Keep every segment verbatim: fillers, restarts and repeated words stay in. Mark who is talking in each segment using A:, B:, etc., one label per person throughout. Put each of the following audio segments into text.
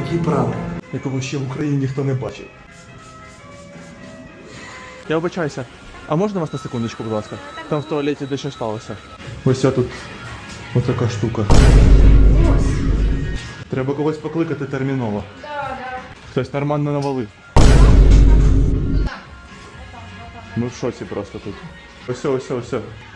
A: такий прапор, якого ще в Україні ніхто не бачив. Я вибачаюся. А можна вас на секундочку, будь ласка? Там в туалеті дещо сталося. Ось тут ось така штука. Треба когось покликати терміново.
B: Да, да.
A: Хтось нормально навалив. Ми в шоці просто тут. Ось, ось, ось.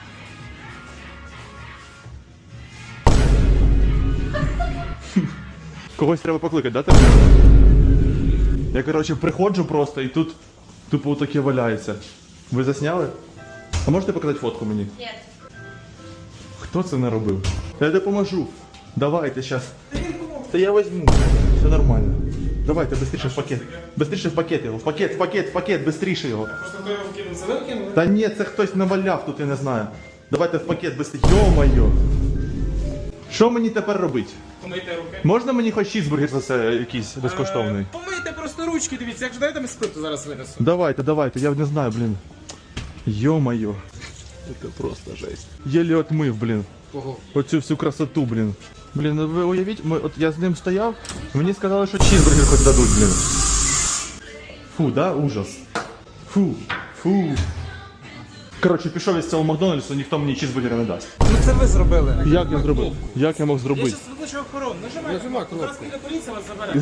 A: Когось треба покликати, да, терміново? Я, коротше, приходжу просто і тут тупо таке валяється. Ви засняли? А можете показати фотку мені?
B: Ні.
A: Хто це наробив? Я допоможу. Давайте зараз. Та я візьму. Все нормально. Давайте, быстріше в пакет. Быстріше в пакет його. В пакет, в пакет, в пакет, быстріше його.
C: Просто хто його вкинув, це ви вкинули?
A: Та ні, це хтось наваляв тут, я не знаю. Давайте в пакет быстріше. Йо-моє. Що мені тепер робити?
C: Помийте руки.
A: Можна мені хоч чізбургер за це якийсь безкоштовний?
C: Е, Помийте просто ручки, дивіться, як ж дайте ми спирту зараз винесу.
A: Давайте, давайте, я не знаю, блін. Йо-моє. Це просто жесть. Єлі отмив, блін.
C: Кого?
A: Оцю всю красоту, блін. Блін, ну ви уявіть, ми, от я з ним стояв, мені сказали, що чізбургер хоч дадуть, блін. Фу, да? Ужас. Фу, фу. Коротше, пішов із цього Макдональдсу, ніхто мені чізбургера не дасть.
C: Ну це ви зробили.
A: Як я зробив? Як я мог
C: Я
A: зробити?
C: зараз викличу охорону. Нажимайте. Нажимай кнопку. Зараз піде поліція вас забере.